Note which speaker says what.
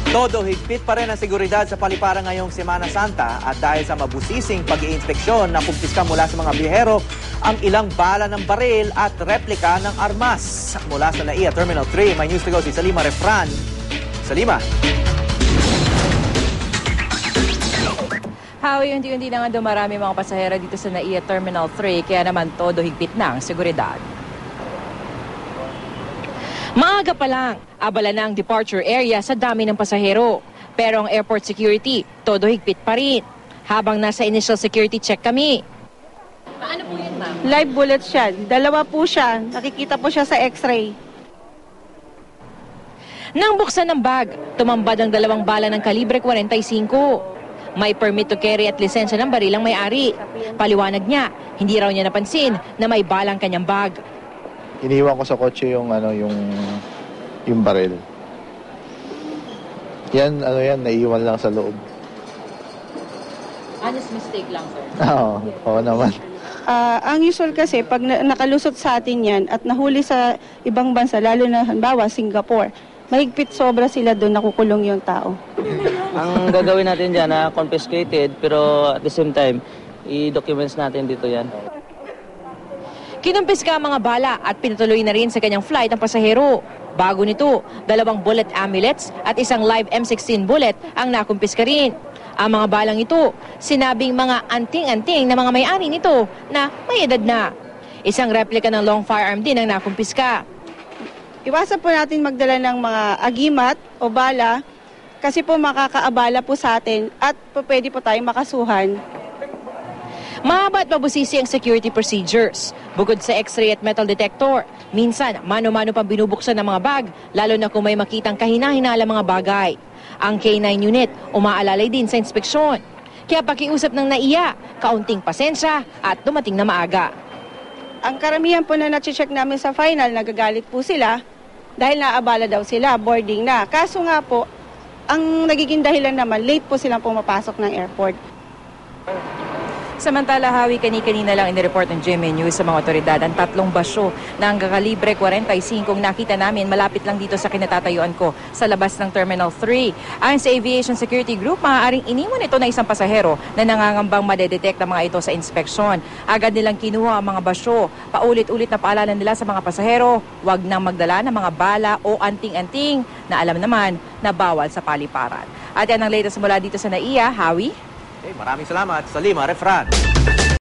Speaker 1: Todo higpit pa rin ang seguridad sa paliparan ngayong Semana Santa at dahil sa mabusising pag-iinspeksyon na kumpiska mula sa mga biyahero ang ilang bala ng baril at replika ng armas. Mula sa NAIA Terminal 3, may news to go si Salima Refran. Salima.
Speaker 2: Howie, unti-unti na nga dumarami mga pasahero dito sa NAIA Terminal 3, kaya naman todo higpit na ang seguridad. Maaga pa lang, abala na ang departure area sa dami ng pasahero. Pero ang airport security, todo higpit pa rin. Habang nasa initial security check kami. Paano po yun, ma'am?
Speaker 3: Live bullets yan. Dalawa po siya. Nakikita po siya sa x-ray.
Speaker 2: Nang buksan ng bag, tumambad ang 2 bala ng kalibre 45. May permit to carry at lisensya ng baril ang may-ari. Paliwanag niya, hindi raw niya napansin na may balang kanyang bag.
Speaker 4: Iniwan ko sa kotse yung baril. Yan, naiiwan lang sa loob.
Speaker 2: Honest mistake lang, sir.
Speaker 4: Oo naman.
Speaker 3: Ang usual kasi, pag nakalusot sa atin yan at nahuli sa ibang bansa, lalo na halimbawa Singapore, mahigpit sobra sila doon, nakukulong yung tao.
Speaker 5: Ang gagawin natin dyan, confiscated, pero at the same time, i-documents natin dito yan.
Speaker 2: Kinumpiska ang mga bala at pinatuloy na rin sa kanyang flight ang pasahero. Bago nito, 2 bullet amulets at isang live M16 bullet ang nakumpiska rin. Ang mga balang ito, sinabing mga anting-anting na mga may-ari nito na may edad na. Isang replika ng long firearm din ang nakumpiska.
Speaker 3: Iwasan po natin magdala ng mga agimat o bala kasi po makakaabala po sa atin at pwede po tayong makasuhan.
Speaker 2: Mahaba at mabusisi ang security procedures. Bukod sa x-ray at metal detector, minsan mano-mano pang binubuksan ng mga bag, lalo na kung may makitang kahina-hinala mga bagay. Ang K9 unit umaalalay din sa inspeksyon. Kaya pakiusap ng NAIA, kaunting pasensya at dumating na maaga.
Speaker 3: Ang karamihan po na nache-check namin sa final, nagagalit po sila dahil naabala daw sila, boarding na. Kaso nga po, ang nagiging dahilan naman, late po silang pumapasok ng airport.
Speaker 2: Samantala, Howie, kani-kanina lang inireport ng GMA News sa mga otoridad ang 3 basyo ng kakalibre 45 kung nakita namin malapit lang dito sa kinatatayuan ko sa labas ng Terminal 3. Ayon sa Aviation Security Group, maaaring iniwan ito na isang pasahero na nangangambang madedetect ang mga ito sa inspeksyon. Agad nilang kinuha ang mga basyo. Paulit-ulit na paalala nila sa mga pasahero, huwag nang magdala ng mga bala o anting-anting na alam naman na bawal sa paliparan. At yan ang latest mula dito sa NAIA, Howie.
Speaker 1: Maraming salamat, Salima Refran.